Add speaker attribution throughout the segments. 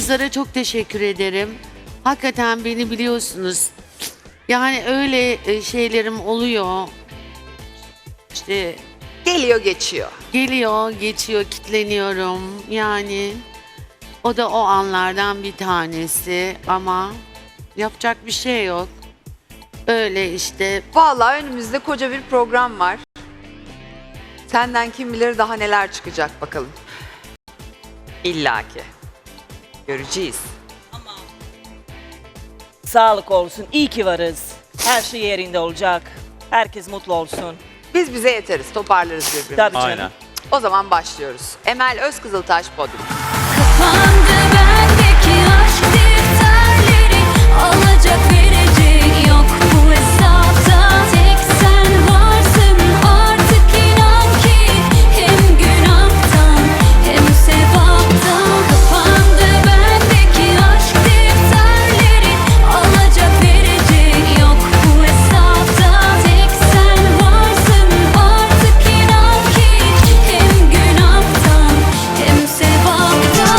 Speaker 1: kızlara çok teşekkür ederim. Hakikaten beni biliyorsunuz. Yani öyle şeylerim oluyor. İşte
Speaker 2: Geliyor geçiyor.
Speaker 1: geliyor, geçiyor, kitleniyorum. Yani o da o anlardan bir tanesi ama yapacak bir şey yok. Öyle işte.
Speaker 2: Vallahi önümüzde koca bir program var. Senden kim bilir daha neler çıkacak bakalım. İlla ki. Göreceğiz.
Speaker 3: Sağlık olsun. İyi ki varız. Her şey yerinde olacak. Herkes mutlu olsun.
Speaker 2: Biz bize yeteriz, toparlarız birbirimizi.
Speaker 3: Tabii canım.
Speaker 4: Aynen.
Speaker 2: O zaman başlıyoruz. Emel Özkızıltaş podyum.
Speaker 5: Kapandı bendeki aşk defterleri, alacak verecek yok bu hesapta. Tek sen varsın artık, inan ki hem günahtan hem sevaptan. Kapandı bendeki aşk defterleri, alacak verecek yok bu hesapta. Tek sen varsın artık, inan ki hem günahtan hem sevaptan.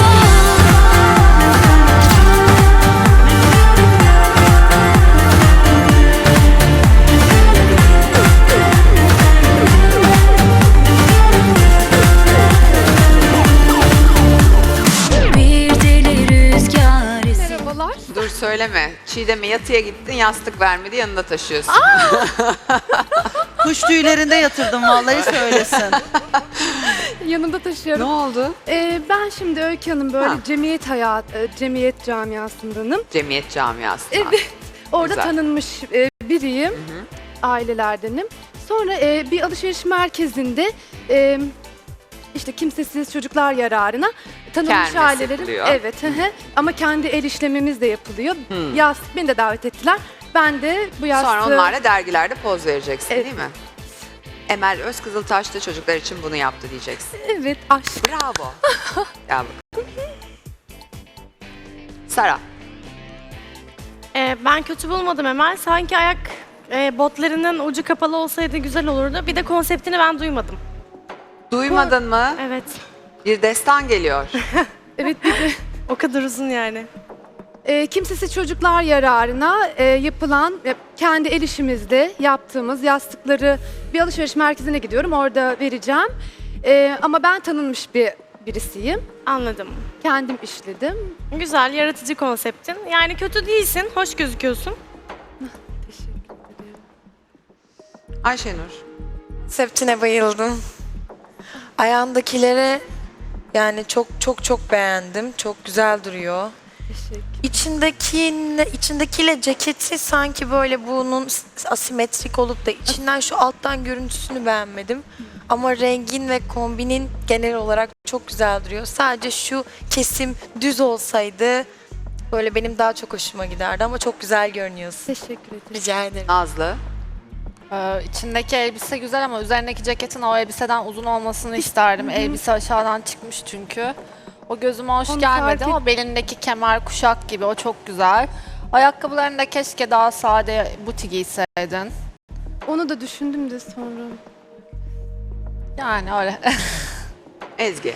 Speaker 5: Bir deli rüzgar esti.
Speaker 2: Dur söyleme. Çiğdem'e yatıya gittin, yastık vermedi, yanında taşıyorsun.
Speaker 6: Kuş tüylerinde yatırdım vallahi söylesin.
Speaker 7: Yanımda
Speaker 2: Ne
Speaker 7: taşıyorum.
Speaker 2: oldu?
Speaker 7: Ben şimdi Öykü Hanım böyle
Speaker 2: Ha.
Speaker 7: cemiyet camiasındanım.
Speaker 2: Cemiyet camiası.
Speaker 7: Evet. Orada
Speaker 2: Güzel.
Speaker 7: tanınmış biriyim. Ailelerdenim. Sonra bir alışveriş merkezinde işte kimsesiz çocuklar yararına tanınmış
Speaker 2: Kermes
Speaker 7: ailelerin.
Speaker 2: yapılıyor.
Speaker 7: Evet. Ama kendi el işlemimiz de yapılıyor. Yastık beni de davet ettiler. Ben de bu yastığı...
Speaker 2: Sonra onlarla dergilerde poz vereceksin
Speaker 7: Evet.
Speaker 2: değil mi? Emel Özkızıltaş da çocuklar için bunu yaptı diyeceksin.
Speaker 7: Evet, aşk.
Speaker 2: Bravo. Gel bakalım. Sara.
Speaker 8: Ben kötü bulmadım Emel. Sanki ayak botlarının ucu kapalı olsaydı güzel olurdu. Bir de konseptini ben duymadım.
Speaker 2: Duymadın mı?
Speaker 8: Evet.
Speaker 2: Bir destan geliyor.
Speaker 7: Evet, bir de
Speaker 8: O kadar uzun yani.
Speaker 7: kimsesiz çocuklar yararına yapılan kendi el işimizde yaptığımız yastıkları bir alışveriş merkezine gidiyorum. Orada vereceğim. Ama ben tanınmış birisiyim.
Speaker 8: Anladım.
Speaker 7: Kendim işledim.
Speaker 8: Güzel, yaratıcı konseptin. Yani kötü değilsin, hoş gözüküyorsun.
Speaker 2: Ayşenur.
Speaker 9: Konseptine bayıldım. Ayağındakilere yani çok beğendim. Çok güzel duruyor. İçindekiyle ceketi sanki böyle bunun asimetrik olup da içinden şu alttan görüntüsünü beğenmedim. Ama rengin ve kombinin genel olarak çok güzel duruyor. Sadece şu kesim düz olsaydı böyle benim daha çok hoşuma giderdi ama çok güzel görünüyorsun.
Speaker 7: Teşekkür ederim.
Speaker 9: Rica ederim.
Speaker 2: Nazlı.
Speaker 10: İçindeki elbise güzel ama üzerindeki ceketin o elbiseden uzun olmasını isterdim. Elbise aşağıdan çıkmış çünkü. O gözüme hoş
Speaker 7: Onu
Speaker 10: gelmedi
Speaker 7: fark
Speaker 10: ama belindeki kemer, kuşak gibi o çok güzel. Ayakkabılarını da keşke daha sade buti giyseydin.
Speaker 7: Onu da düşündüm de sonra.
Speaker 10: Yani öyle.
Speaker 2: Ezgi.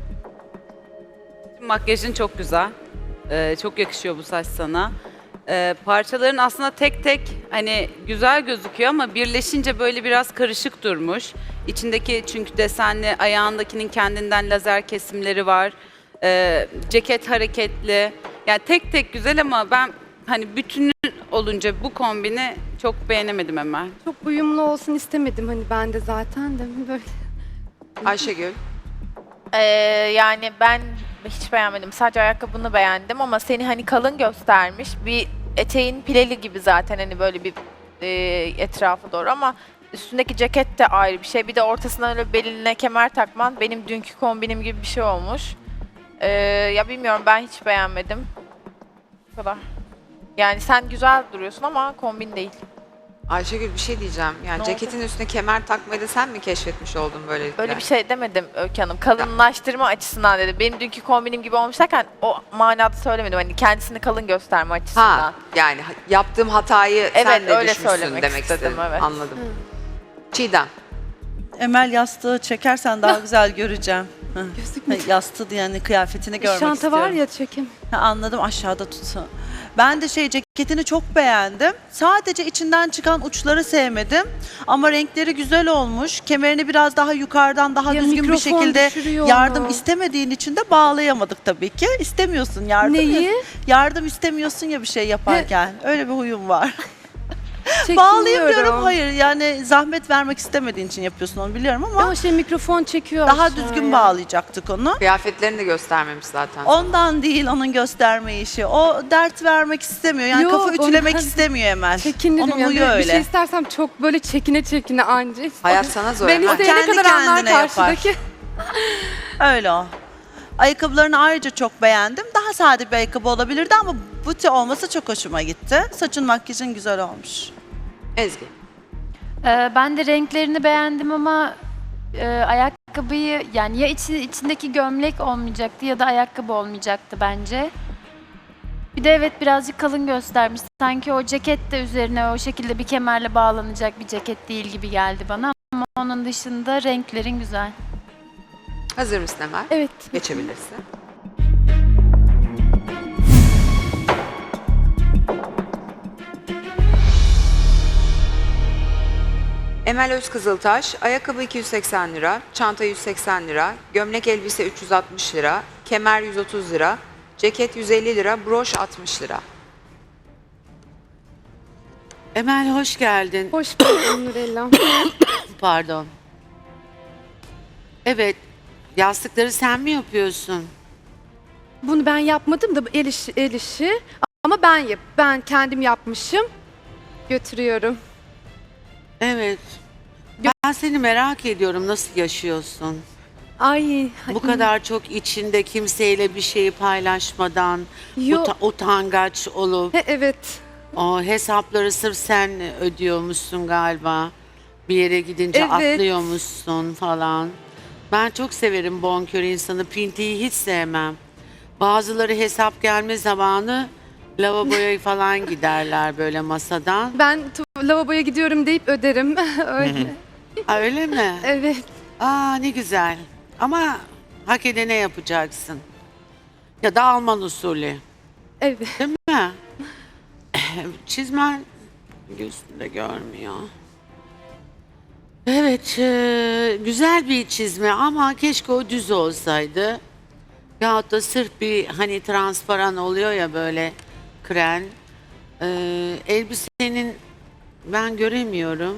Speaker 11: Makyajın çok güzel. Çok yakışıyor bu saç sana. Parçaların aslında tek tek hani güzel gözüküyor ama birleşince böyle biraz karışık durmuş. İçindeki çünkü desenli, ayağındakinin kendinden lazer kesimleri var. Ceket hareketli. Yani tek tek güzel ama ben hani bütünü olunca bu kombini çok beğenemedim hemen.
Speaker 7: Çok uyumlu olsun istemedim hani ben de zaten de böyle.
Speaker 2: Ayşegül.
Speaker 12: Yani ben hiç beğenmedim. Sadece ayakkabını beğendim ama seni hani kalın göstermiş. Bir eteğin pileli gibi zaten hani böyle bir etrafı doğru ama üstündeki ceket de ayrı bir şey. Bir de ortasına öyle beline kemer takman benim dünkü kombinim gibi bir şey olmuş. Ya bilmiyorum ben hiç beğenmedim. Bu kadar. Yani sen güzel duruyorsun ama kombin değil.
Speaker 2: Ayşegül bir şey diyeceğim. Yani
Speaker 12: Ne
Speaker 2: ceketin üstüne kemer takmayı da sen mi keşfetmiş oldun böylelikle?
Speaker 12: Öyle bir şey demedim Öykü Hanım. Kalınlaştırma açısından dedim. Benim dünkü kombinim gibi olmuş derken o manada söylemedim. Hani kendisini kalın gösterme açısından.
Speaker 2: Ha, yani yaptığım hatayı
Speaker 12: Evet,
Speaker 2: sen de
Speaker 12: öyle
Speaker 2: düşmüşsün
Speaker 12: söylemek
Speaker 2: demek
Speaker 12: istedim,
Speaker 2: istedim.
Speaker 12: evet.
Speaker 2: Anladım. Çiğdem.
Speaker 6: Emel yastığı çekersen daha güzel göreceğim. Yastığı yani kıyafetini görmek
Speaker 7: Şanta
Speaker 6: istiyorum.
Speaker 7: var ya çekim.
Speaker 6: Ha, anladım, aşağıda tutun. Ben de ceketini çok beğendim. Sadece içinden çıkan uçları sevmedim. Ama renkleri güzel olmuş. Kemerini biraz daha yukarıdan daha
Speaker 7: Ya
Speaker 6: düzgün bir
Speaker 7: mikrofon
Speaker 6: şekilde
Speaker 7: düşürüyor
Speaker 6: yardım
Speaker 7: onu.
Speaker 6: istemediğin için de bağlayamadık tabii ki. İstemiyorsun yardım.
Speaker 7: Neyi?
Speaker 6: Yardım istemiyorsun ya bir şey yaparken. Öyle bir huyum var.
Speaker 7: Çekiniyorum.
Speaker 6: Bağlayayım diyorum. Hayır, yani zahmet vermek istemediğin için yapıyorsun onu biliyorum ama
Speaker 7: Ama mikrofon çekiyor
Speaker 6: daha
Speaker 7: aşağıya.
Speaker 6: düzgün bağlayacaktık onu.
Speaker 2: Kıyafetlerini de göstermemiş zaten.
Speaker 6: Ondan değil onun gösterme işi. O dert vermek istemiyor. Yani
Speaker 7: Yok,
Speaker 6: kafa ütülemek
Speaker 7: ondan
Speaker 6: istemiyor Emel.
Speaker 7: Çekinirim
Speaker 6: Onun
Speaker 7: yani.
Speaker 6: huyu
Speaker 7: Bir
Speaker 6: öyle.
Speaker 7: şey istersem çok böyle çekine anca.
Speaker 2: Hayat sana zor.
Speaker 7: Ben
Speaker 2: Emel.
Speaker 7: isteyene
Speaker 6: Kendi
Speaker 7: kadar anlar
Speaker 6: kendine yapar.
Speaker 7: karşıdaki.
Speaker 6: Öyle o. Ayakkabılarını ayrıca çok beğendim. Daha sade bir ayakkabı olabilirdi ama buti olması çok hoşuma gitti. Saçın makyajın güzel olmuş.
Speaker 2: Ezgi.
Speaker 5: Ben de renklerini beğendim ama ayakkabıyı yani ya içindeki gömlek olmayacaktı ya da ayakkabı olmayacaktı bence. Bir de evet birazcık kalın göstermiş. Sanki o ceket de üzerine o şekilde bir kemerle bağlanacak bir ceket değil gibi geldi bana. Ama onun dışında renklerin güzel.
Speaker 2: Hazır mısın Emel?
Speaker 7: Evet.
Speaker 2: Geçebilirsin. Emel Özkızıltaş, ayakkabı 280 lira, çanta 180 lira, gömlek elbise 360 lira, kemer 130 lira, ceket 150 lira, broş 60 lira.
Speaker 1: Emel hoş geldin.
Speaker 7: Hoş bulduk Nurella.
Speaker 1: Pardon. Evet, yastıkları sen mi yapıyorsun?
Speaker 7: Bunu ben yapmadım da bu el işi. Ama ben kendim yapmışım. Götürüyorum.
Speaker 1: Evet. Ben seni merak ediyorum, nasıl yaşıyorsun?
Speaker 7: Ay.
Speaker 1: Bu kadar çok içinde kimseyle bir şeyi paylaşmadan,
Speaker 7: Yok.
Speaker 1: utangaç olup,
Speaker 7: Evet.
Speaker 1: o hesapları sırf sen ödüyormuşsun galiba. Bir yere gidince
Speaker 7: Evet.
Speaker 1: atlıyormuşsun falan. Ben çok severim bonkör insanı, pintiyi hiç sevmem. Bazıları hesap gelme zamanı lavaboya falan giderler böyle masadan.
Speaker 7: Ben lavaboya gidiyorum deyip öderim. Öyle.
Speaker 1: Aa, öyle mi?
Speaker 7: Evet.
Speaker 1: Aa ne güzel. Ama hak edene yapacaksın. Ya da Alman usulü.
Speaker 7: Evet.
Speaker 1: Değil mi? Çizmen üstünde görmüyor. Evet, güzel bir çizme ama keşke o düz olsaydı. Yahut da sırf bir hani transparan oluyor ya böyle kren. Elbisenin ben göremiyorum.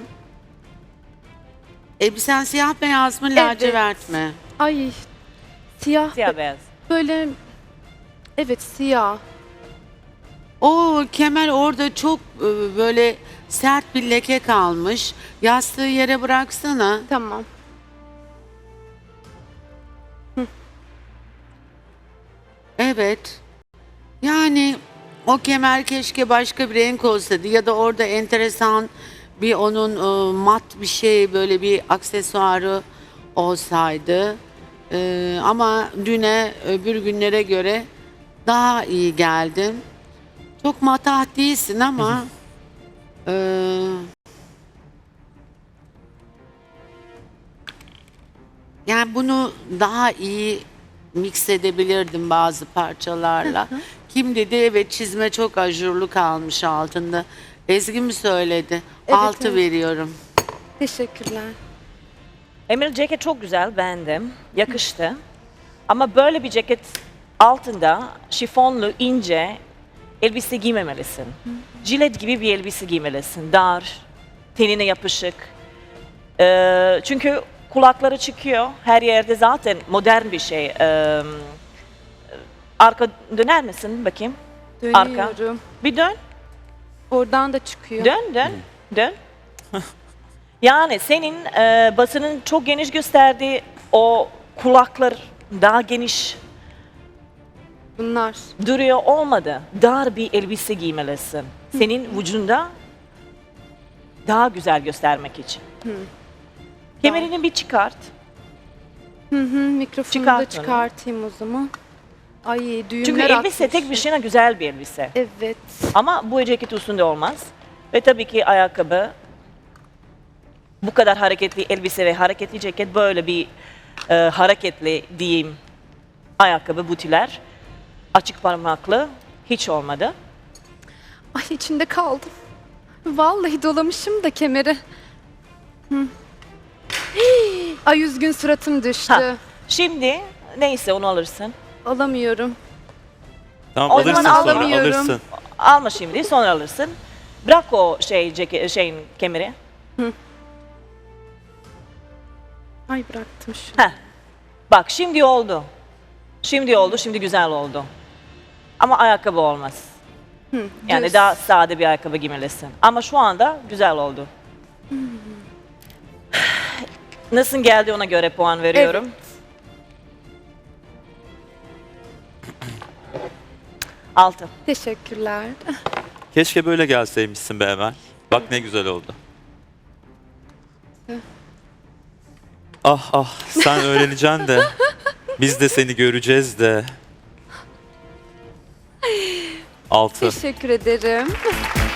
Speaker 1: Elbisen siyah beyaz mı lacivert mi?
Speaker 7: Ay. Siyah.
Speaker 3: Siyah beyaz.
Speaker 7: Böyle. Evet siyah.
Speaker 1: O kemer orada çok böyle sert bir leke kalmış. Yastığı yere bıraksana.
Speaker 7: Tamam.
Speaker 1: Evet. Yani o kemer keşke başka bir renk olsaydı ya da orada enteresan bir onun mat bir şey böyle bir aksesuarı olsaydı. Ama düne öbür günlere göre daha iyi geldin. Çok matah değilsin ama yani bunu daha iyi mix edebilirdim bazı parçalarla. Kim dedi? Evet çizme çok ajurlu kalmış altında. Ezgi mi söyledi?
Speaker 7: Evet,
Speaker 1: 6
Speaker 7: evet.
Speaker 1: veriyorum.
Speaker 7: Teşekkürler.
Speaker 3: Emel ceket çok güzel, beğendim. Yakıştı. Ama böyle bir ceket altında şifonlu, ince elbise giymemelisin. Jilet gibi bir elbise giymelisin. Dar, tenine yapışık. Çünkü kulakları çıkıyor. Her yerde zaten modern bir şey. Arka döner misin bakayım?
Speaker 7: Dönüyorum.
Speaker 3: Bir dön.
Speaker 7: Oradan da çıkıyor.
Speaker 3: Dön. Yani senin basının çok geniş gösterdiği o kulaklar daha geniş
Speaker 7: Bunlar.
Speaker 3: duruyor olmadı. Dar bir elbise giymelisin. Senin vücudunda daha güzel göstermek için. Kemerini bir çıkart.
Speaker 7: Mikrofonu
Speaker 3: Çıkart
Speaker 7: da
Speaker 3: onu.
Speaker 7: çıkartayım o zaman. Ay düğümler
Speaker 3: Çünkü elbise
Speaker 7: atmış.
Speaker 3: tek başına güzel bir elbise.
Speaker 7: Evet.
Speaker 3: Ama bu ceket üstünde olmaz. Ve tabii ki ayakkabı Bu kadar hareketli elbise ve hareketli ceket, böyle bir hareketli diyeyim ayakkabı, butiler, açık parmaklı hiç olmadı.
Speaker 7: Ay içinde kaldım. Vallahi dolamışım da kemeri. Hı. Hii, ay üzgün suratım düştü.
Speaker 3: Ha. Şimdi neyse onu alırsın.
Speaker 7: Alamıyorum.
Speaker 4: Tamam
Speaker 3: O zaman
Speaker 4: alırsın sonra
Speaker 7: alamıyorum.
Speaker 4: alırsın.
Speaker 3: Alma şimdi, sonra alırsın. Bırak o şeyin kemeri.
Speaker 7: Ay bıraktım şu.
Speaker 3: Heh. Bak şimdi oldu. Şimdi oldu, şimdi güzel oldu. Ama ayakkabı olmaz. Yani
Speaker 7: düz.
Speaker 3: daha sade bir ayakkabı giymelisin. Ama şu anda güzel oldu. Nasıl geldi ona göre puan veriyorum. Altı.
Speaker 7: Teşekkürler.
Speaker 4: Keşke böyle gelseymişsin be Emel. Bak ne güzel oldu. Ah ah sen öğreneceksin de biz de seni göreceğiz de. 6.
Speaker 7: Teşekkür ederim.